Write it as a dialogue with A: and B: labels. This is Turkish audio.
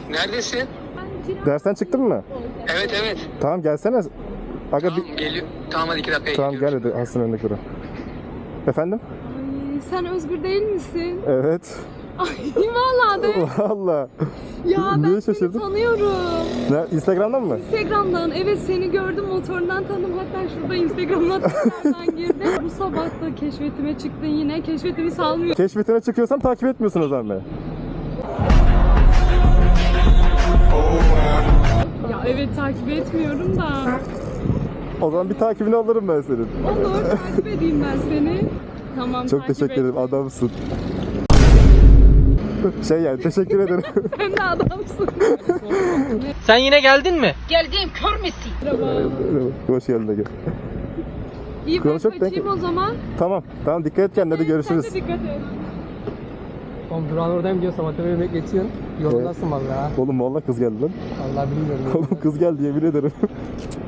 A: Neredesin?
B: Dersten çıktın mı?
A: Evet evet.
B: Tamam gelsene. Aga
A: Tamam geliyor. Tamam hadi 2 dakikaya
B: Tamam
A: geliyorum.
B: gel hadi hastanın önüne kura. Efendim?
C: Ay, sen Özgür değil misin?
B: Evet.
C: Ay vallahi de.
B: Valla.
C: Ya ben
B: Niye
C: seni
B: şaşırdın?
C: tanıyorum.
B: Ne, Instagram'dan mı?
C: Instagram'dan evet seni gördüm motorundan tanıdım. Hatta şurada Instagram'dan tekrardan girdim. Bu sabah da keşfetime çıktın yine. Keşfetimi salmıyor.
B: Keşfetine çıkıyorsam takip etmiyorsun o zaman beni.
C: Ya evet takip etmiyorum da.
B: O zaman bir takibini alırım ben senin.
C: Olur takip edeyim ben seni. Tamam
B: Çok
C: takip
B: teşekkür
C: et.
B: ederim, adamsın. Şey yani teşekkür ederim.
C: Sen de adamsın.
D: Sen yine geldin mi?
E: Geldiğim kör müsün?
C: Merhaba.
B: Hoş geldin Ege.
C: İyi ben
B: Konuşup
C: kaçayım o zaman.
B: Tamam dikkat et kendine, hadi görüşürüz.
C: Sen de dikkat et.
D: Oğlum durağın oradayım diyor, sabah tepe bekletiyorsun. Yoldasın vallahi.
B: Oğlum valla kız geldi lan.
D: Vallahi bilmiyorum.
B: Oğlum kız geldi yemin ederim.